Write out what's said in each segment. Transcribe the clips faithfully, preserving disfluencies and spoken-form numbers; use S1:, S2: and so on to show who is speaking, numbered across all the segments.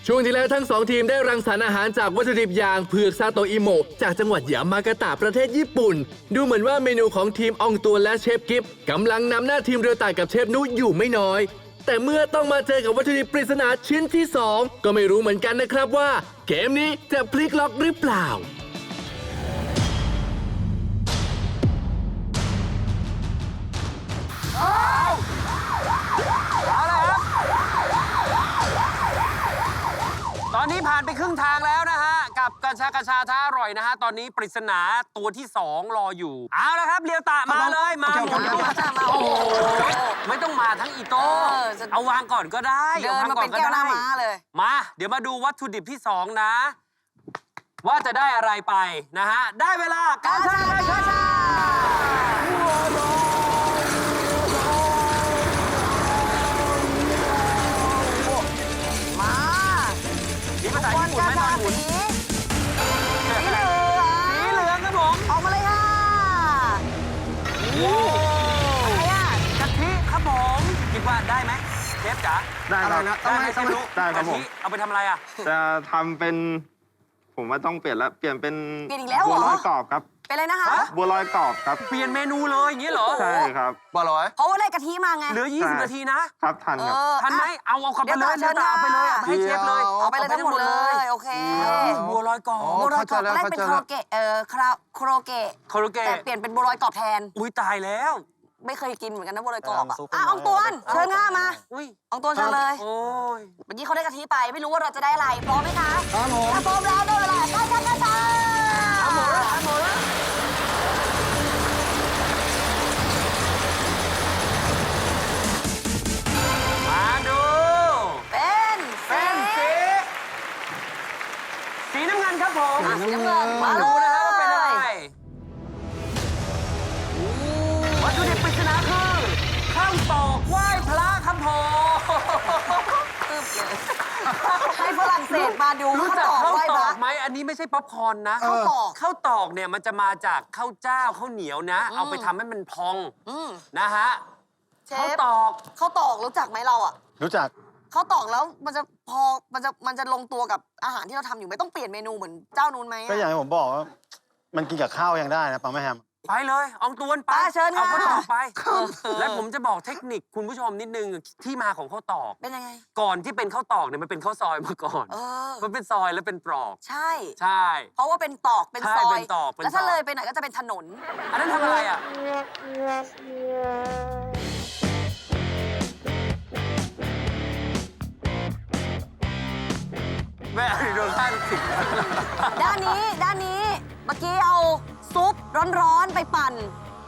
S1: ช่วงที่แล้วทั้งสองทีมได้รังสรรค์อาหารจากวัตถุดิบอย่างเผือกซาโตอิโมะจากจังหวัดยามากาตะประเทศญี่ปุ่นดูเหมือนว่าเมนูของทีมอองตัวนและเชฟกิฟกำลังนำหน้าทีมเรือต่ายกับเชฟนุอยู่ไม่น้อยแต่เมื่อต้องมาเจอกับวัตถุดิบปริศนาชิ้นที่สองก็ไม่รู้เหมือนกันนะครับว่าเกมนี้จะพลิกล็อกหรือเปล่า
S2: ตอนนี้ผ่านไปครึ่งทางแล้วนะฮะกับกระชากระชาท้าอร่อยนะฮะตอนนี้ปริศนาตัวที่สองรออยู่เอาละครับเรียวตะมาเลยมาหมุนตัวโอ้โหไม่ต้องมาทั้งอีโต้เอาวางก่อนก็ได้
S3: เดินมาเป็นแก้วหน้าม้าเลย
S2: มาเดี๋ยวมาดูวัตถุดิบที่สองนะว่าจะได้อะไรไปนะฮะได้เวลาการชากระชามีภาษาญี่ปุ่นไหมตอนหมุน
S3: สีเหลือง
S2: สีเหลืองครับผม
S3: ออกมาเลยค่ะอะไรอ่ะ
S2: กะทิครับผมคิดว่าได้ไหมเชฟจ๋า
S4: ได้ครับ
S2: ได้ไหมเชฟรู้
S4: ได้ครับผม
S2: กะทิเอาไปทำอะไรอ่ะ
S4: จะทำเป็น ผมว่าต้องเปลี่ยนแล้ว เปลี่ยนเป็น
S3: เปลี่ยนอีกแล้วเหรอ
S4: บัวลอยกรอบครับ
S3: เป็นอะไรนะคะ
S4: บัวลอยกรอบครับ
S2: เปลี่ยนเมนูเลยอย่างนี้เหรอ
S4: ใช่ครับ
S2: บัวลอย
S3: เพราะว่าได้กะทิมาไง
S2: เหลือ ยี่สิบ นาทีนะครับ
S4: ทัน
S3: เอ
S4: ครับ
S3: อ
S2: ทันไหมเอาเอากลับไปเลย
S3: เดี๋ยว
S2: เดี๋ยวเอาไปเลยเอาไปให้เชฟเลย
S3: เอาไปเลยทั้งหมดเลยโอเค
S2: บัวลอยกรอบ
S3: บัวลอยกรอบตอนแรกเป็นโคโรเกะเอ่อคาราโคโรเกะ
S2: โคโรเกะ
S3: แต่เปลี่ยนเป็นบัวลอยกรอบแทน
S2: อุ้ยตายแล้ว
S3: ไม่เคยกินเหมือนกันนะบัวลอยกรอบอ่ะอ่ะอองตวนเชิญง่ามา
S2: อุ้ย
S3: อองตวนเชิญเลย
S2: โอ้ย
S3: เมื่อกี้เขาได้กะทิไปไม่รู้ว่าเราจะได้อะไรพร้อมไหมคะ
S4: ครับผม
S3: ถ้าพร้อมแล้วได้เวลาไปกันกันค่ะ
S2: เอาหมดแล้วเอาหมดแล้วมาดู
S3: เป็น
S2: เป็นสีสีน้ำเงินครับผม
S3: อ่ะสีน้ำเงิน
S2: มา
S3: มา
S2: ดู
S3: เล
S2: นะฮะว่าเป็นอะไร
S3: ย
S2: วัตถุดิบปริศนาคือข้าวตอกไหว้พระครับผม
S3: ตึ๊บเลยให้ฝรั่งเศสมาดู
S2: รู้
S3: ข้าว
S2: จัก
S3: ตอก
S2: ข้าว
S3: ไหว้
S2: ต
S3: พ
S2: อ
S3: ระ
S2: กไหมอันนี้ไม่ใช่ป๊อปคอร์นนะ
S3: ข้าวตอก
S2: ข้าวตอกเนี่ยมันจะมาจากข้าวเจ้าข้าวเหนียวนะ เอาไปทำให้มันพอง
S3: อืม
S2: นะฮะ
S3: เช
S2: ข้าว
S3: ฟ
S2: ตอก
S3: ข้าวตอกรู้จักไหมเราอ่ะ
S4: รู้จัก
S3: ข้าวตอกแล้วมันจะพอมันจะมันจะลงตัวกับอาหารที่เราทำอยู่ไม่ต้องเปลี่ยนเมนูเหมือนเจ้านู้นไหมอะ
S4: ก็อย่างที่ผมบอกว่า มันกินกับข้าวยังได้นะปังแม่แฮม
S2: ไปเลยอองตวนไป
S3: ป้าเชิญ
S2: เอา
S3: ค่ะ
S2: ข้าวตอกไป และผมจะบอกเทคนิคคุณผู้ชมนิดนึงที่มาของข้าวตอก
S3: เป็นยังไง
S2: ก่อนที่เป็นข้าวตอกเนี่ยมันเป็นข้าวซอยมาก่อน
S3: เออ
S2: มันเป็นซอยแล้วเป็นปลอก
S3: ใช่
S2: ใช่
S3: เพราะว่าเป็นตอกเป็น
S2: ใช่
S3: ซอย
S2: เป็นตอกเป็น
S3: แล้วถ้า
S2: ซอย
S3: เลยไปไหนก็จะเป็นถนน
S2: อันนั้นทำอะไรอ่ะแม่โดนท่านสิ
S3: ด้านนี้ด้านนี้เมื่อกี้เอาซุปร้อนๆไปปั่น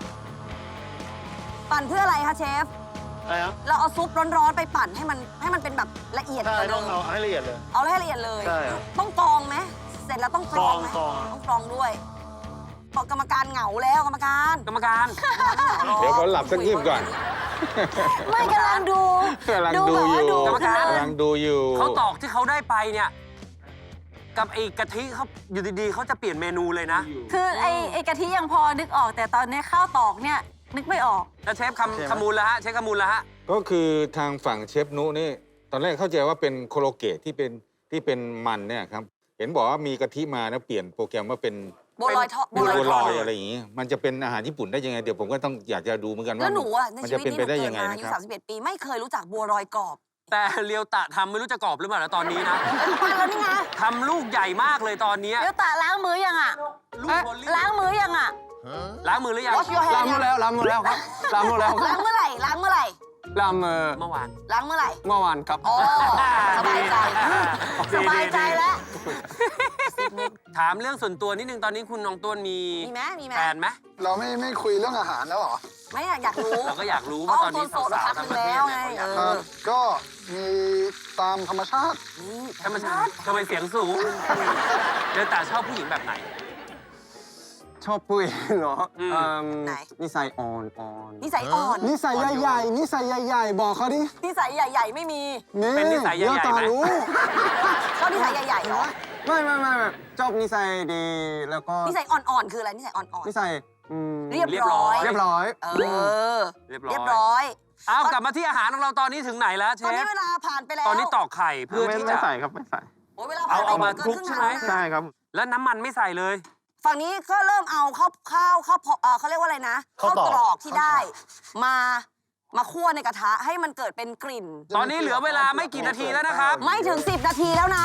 S3: ปั่นเพื่ออะไรคะเชฟ
S4: อะไรนะ
S3: เราเอาซุปร้อนๆไปปั่นให้มันให้มันเป็นแบบละเอียด
S4: ใช่
S3: กว่าเดิ
S4: ต้อง
S3: ม
S4: เอาให้ละเอียดเลย
S3: เอาให้ละเอียดเลย
S4: ใช่ครับ
S3: ต้องกรองไหมเสร็จแล้วต้องกรองไหม
S4: กรองกรอง
S3: ต้องกรองด้วยบอกกรรมการเหงาแล้วกรรมการ
S2: กรรมการ
S5: เดี๋ยวผมหลับสักงีบก่อน
S3: ไม่กำลังดู
S5: กำลัง
S3: ดู
S5: ดู
S3: แบบ
S5: อ
S3: ว่า
S5: ยู่
S3: ดู
S2: กรรมการ
S5: กำลังดูอยู่
S2: เขาตอกที่เขาได้ไปเนี่ย กับไอ้กะทิเขาอยู่ดีๆเขาจะเปลี่ยนเมนูเลยนะ
S6: คือไอ้ไอ้กะทิยังพอนึกออกแต่ตอนนี้ข้าวตอกเนี่ยนึกไม่ออก
S2: แล้วเชฟคำคำมูลแล้วฮะเชฟคำมูลแล้วฮะ
S5: ก็คือทางฝั่งเชฟนุนี่ ตอนแรกเข้าใจว่าเป็นโคโลเกตที่เป็นที่เป็นมันเนี่ยครับ เห็นบอกว่ามีกะทิมาแล้วเปลี่ยนโปรแกรมว่าเป็น
S3: บัวลอยทอด
S5: บัวล
S2: ท
S5: อ
S2: ด
S5: ยอะไรอย่างงี้ มันจะเป็นอาหารญี่ปุ่นได้ยังไง เดี๋ยวผมก็ต้องอยากจะดูเหมือนกัน
S3: แล้
S5: ว่าว
S3: หนูอะใน
S5: มัน
S3: ชี
S5: จะ
S3: วิต
S5: เป็น
S3: นี้หนู
S5: ไปได้
S3: เกิ
S5: ยั
S3: ด
S5: งไง
S3: มาอา
S5: นะ
S3: ยุ
S5: ครับ
S3: สามสิบเอ็ดปีไม่เคยรู้จักบัวลอยกรอบ
S2: แต่เรียวตะทำไม่รู้จะกรอบหรือเปล่านะตอนนี้นะ
S3: ปั่นแล้วนี่ไง
S2: ทำลูกใหญ่มากเลยตอนเนี้ย
S6: เดี๋ยวตาล้างมือยังอ่ะ
S2: ลูกโบลิ่
S6: ล้างมือยังอ่ะ
S2: ล้างมือหรือยัง
S3: Wash your hand
S4: ล้างมือแล้วล้างมือแล้วครับล้างมือแล้ว
S3: ล้างเมื่อไหร่ล้างเมื่อไหร่
S4: ล้างมือ
S2: เมื่อวาน
S3: ล้างเมื่อไหร่
S4: เมื่อวานครับ
S3: อ๋อสบายใจสบายใจแล้ว
S2: ถามเรื่องส่วนตัวนิดนึงตอนนี้คุณน้องต้วนมี
S3: มีไหมมีไหม
S2: แฟนไหม
S7: เราไม่ไม่คุยเรื่องอาหารแล้วเหรอ
S3: ไม่อะอยากรู้
S2: เราก็อยากรู้
S3: อ๋อ
S2: ว่าตอนนี้
S3: โสดๆ
S2: สาว
S3: พัก
S2: ๆ
S3: ห
S2: ทั้
S3: นึ่
S2: ง
S3: ง
S2: ประเท
S3: แล้วไง
S2: ศเนี่ย
S3: เอ
S7: เอ่
S3: อ
S7: อก็มีตามธรรมชาติ
S2: ธรรมชาติทำไมเสียงสูงเรียวตะชอบผู้หญิงแบบไหน
S4: ชอบปุ้ยเหรอ
S2: อืม
S4: เอิ่ม
S3: ไหน
S4: นิสัยอ่อนอ่อน
S3: นิสัยอ่อน
S7: นิสัยใหญ่ๆนิสัยใหญ่ๆ บอกเขาดิ
S3: นิสัยใหญ่ ๆ ไม่มี
S7: นี่
S2: เป็นนิสัยใหญ่ๆ
S7: เดี๋ยวต่อ
S2: ไหม
S7: รู้
S3: ชอบนิสัยใหญ่ๆเหรอ
S4: ไม่ไม่ไม่ไม่ชอบนิสัยดีแล้วก็
S3: นิสัยอ่อนๆคืออะไรนิสัยอ่อน
S4: นิสัยอืม
S3: ๆเรียบร้อย
S4: เรียบร้อย
S3: เออ
S2: เรียบร้อย
S3: เรียบร้อย
S2: เอากลับมาที่อาหารของเราตอนนี้ถึงไหนแล้วเช
S3: ตอนนี้
S2: ฟ
S3: เวลาผ่านไปแล้ว
S2: ตอนนี้ตอกไข่เพื่อ
S4: ไม่
S2: ที่
S4: ไม่
S2: จะ
S4: ใส่ครับไม่ใส่
S3: โอ้ยเวลาผ่าน
S2: เอาเอามา
S3: ไป
S2: คลุก
S3: เน
S2: ใช่ไหม
S3: งชั่วโง
S4: ใช่ครับ
S2: แล้วน้ำมันไม่ใส่เลย
S3: ฝั่งนี้ก็เริ่มเอาข้าวข้าวข้าวพอเอ่อเขาเรียกว่าอะไรนะข้าวตรอกที่ได้ มามาคั่วในกระทะให้มันเกิดเป็นกลิ่น
S2: ตอนนี้เหลือเวลาไม่กี่นาทีแล้วนะครับ
S3: ไม่ถึงสิบนาทีแล้วนะ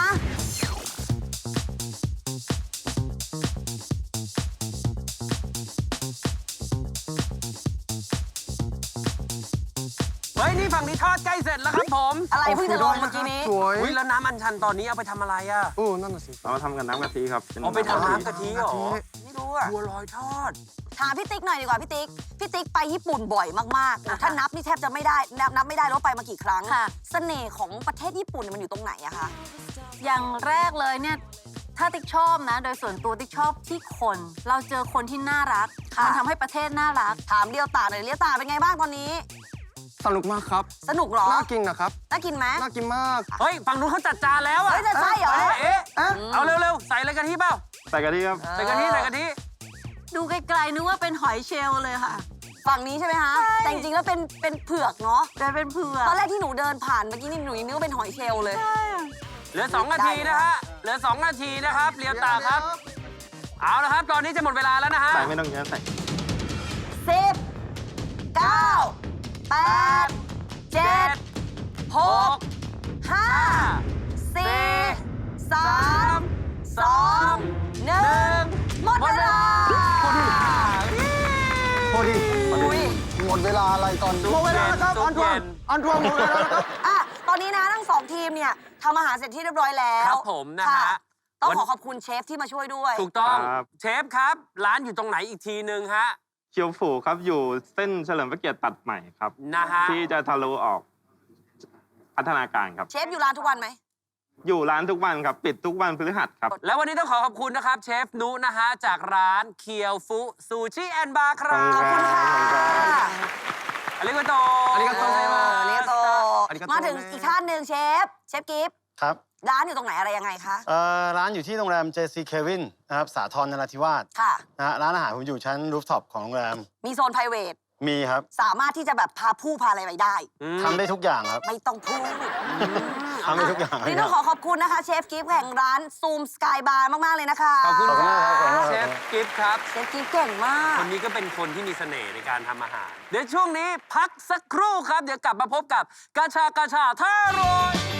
S2: เฮ้ยนี่ฝั่งนี้ทอดใกล้เสร็จแล้วครับผม
S3: อะไรเพิ่งจะลงเมื่อกี้นี้
S7: สวย
S2: อุ้ยแล้วน้ำอัญชันตอนนี้เอาไปทำอะไรอ่ะ
S7: โอ้นั่นน่ะสิ
S4: เรามาทำกับน้ำกะทิครับน
S2: เอาไปทำน้ำกะทิเหรอ
S3: ไม่รู้อะ
S2: บัวลอยทอด
S3: ถามพี่ติ๊กหน่อยดีกว่าพี่ติ๊ก พี่ติ๊กไปญี่ปุ่นบ่อยมากๆนะถ้านับนี่แทบจะไม่ได้ นับนับไม่ได้แล้วาไปมากี่ครั้ง
S6: ค่ะ
S3: เสน่ห์ของประเทศญี่ปุ่นเนี่ยมันอยู่ตรงไหนอะคะ
S6: อย่างแรกเลยเนี่ยถ้าติ๊กชอบนะ โดยส่วนตัวติ๊กชอบที่คน เราเจอคนที่น่ารัก
S3: ค่ะ
S6: มันทำให้ประเทศน่ารัก
S3: ถามเลียวตาหน่อยเลียวตาเป็นไงบ้างตอนนี้
S7: สนุกมากครับ
S3: สนุกเหรอ
S7: น่ากินนะครับ
S3: น่ากินไหม
S7: น่ากินมาก
S2: เฮ้ยฝั่งนู้นเขาจัดจานแล้วอ่ะ
S3: เฮ้ยจะใช่เหรอ
S2: เอ๊ะเอ๊ะ
S7: เอ๊ะ
S2: เอาเร็วๆ ใส่อะไรกะทิเปล่า
S4: ใส่กะทิครับ
S2: ใส่กะทิใส่กะทิ
S6: ดูไกลๆนึกว่าเป็นหอยเชลล์เลยค่ะ
S3: ฝั่งนี้ใช่ไหมคะ
S6: ใช่
S3: แต่จริงๆแล้วเป็นเป็นเผือกเนาะ
S6: แต่เป็นเผือก
S3: ตอนแรกที่หนูเดินผ่านเมื่อกี้นี่หนูยังนึกว่าเป็นหอยเชลล์เลย
S2: เหลือสองนาทีนะฮะ เหลือสองนาทีนะครับเรียวตาครับ เอาละครับ ตอนนี้จะหมดเวลาแล้วนะฮะ
S4: ใส่ไม่ต้องเยอะใส่
S3: สิบ เก้า แปด เจ็ด หก ห้า สี่ สาม สอง หนึ่ง หมดเวลา
S7: พอดี
S3: อุ้ย
S7: หมดเวลาอะไรตอน
S2: ซุป
S7: หมดเวลาแล้วครับ
S2: ซุ
S7: อั
S2: ป
S7: นทว
S2: เย็
S7: ง
S2: น
S7: อันทวงหมดเวลาแล้วครับ
S3: อ่ะ ตอนนี้นะทั้งสองทีมเนี่ยทำอาหารเสร็จที่เรียบร้อยแล้ว
S2: ครับผมนะฮะ
S3: ค่ต้อง
S2: วัน
S3: ขอขอบคุณเชฟที่มาช่วยด้วย
S2: ถูกต้อง
S4: ครับ
S2: เชฟครับ ร้านอยู่ตรงไหนอีกทีนึงฮะ
S4: เคียวฟูครับอยู่เส้นเฉลิมพระเกียรติตัดใหม่ครับ
S2: นะฮะ
S4: ที่จะทะลุออกพัฒนาการครับ
S3: เชฟอยู่ร้านทุกวันไหม
S4: อยู่ร้านทุกวันครับ ปิดทุกวันพฤหัสครับ
S2: แล้ววันนี้ต้องขอขอบคุณนะครับ เชฟนุนะฮะ จากร้านเคียวฟุซูชิแอนด์บาร์ครั
S4: ขอบคุณครับ บ
S2: อาริโกโต
S7: อาริโกโต
S3: เออเรียกโต
S7: อาริกาโต
S3: มาถึงอีกท่านหนึ่งเชฟ เชฟกิฟต์
S8: ครับ
S3: ร้านอยู่ตรงไหนอะไรยังไงคะ
S8: เอ่อร้านอยู่ที่โรงแรม เจ ซี Kevin นะครับ สาทรนราธิวาส
S3: ค่ะ
S8: นะฮะร้านอาหารผมอยู่ชั้นรูฟท็อปของโรงแรม
S3: มีโซน ไพรเวท
S8: มีครับ
S3: สามารถที่จะแบบพาผู้พาอะไรไปได้
S2: อืม
S8: ทำได้ทุกอย่างครับ
S3: ไม่ต้องพูด
S8: ทำได้ทุกอย่าง
S3: วันนี่ต้องขอขอบคุณนะคะ เชฟกิฟต์แห่งร้านซูมสกายบาร์มาก ๆ เลยนะคะ
S2: ขอบคุณ
S8: ขอบ
S2: ค
S8: คุณ
S2: รั
S8: มากครับขอบคุณ
S2: บ
S8: มากครับ
S2: เชฟกิฟต์ครับ
S3: เชฟกิฟต์เก่งมาก
S2: คนนี้ก็เป็นคนที่มีเสน่ห์ในการทำอาหาร เดี๋ยวช่วงนี้พักสักครู่ครับ เดี๋ยวกลับมาพบกับกาชากาชาท่าโรย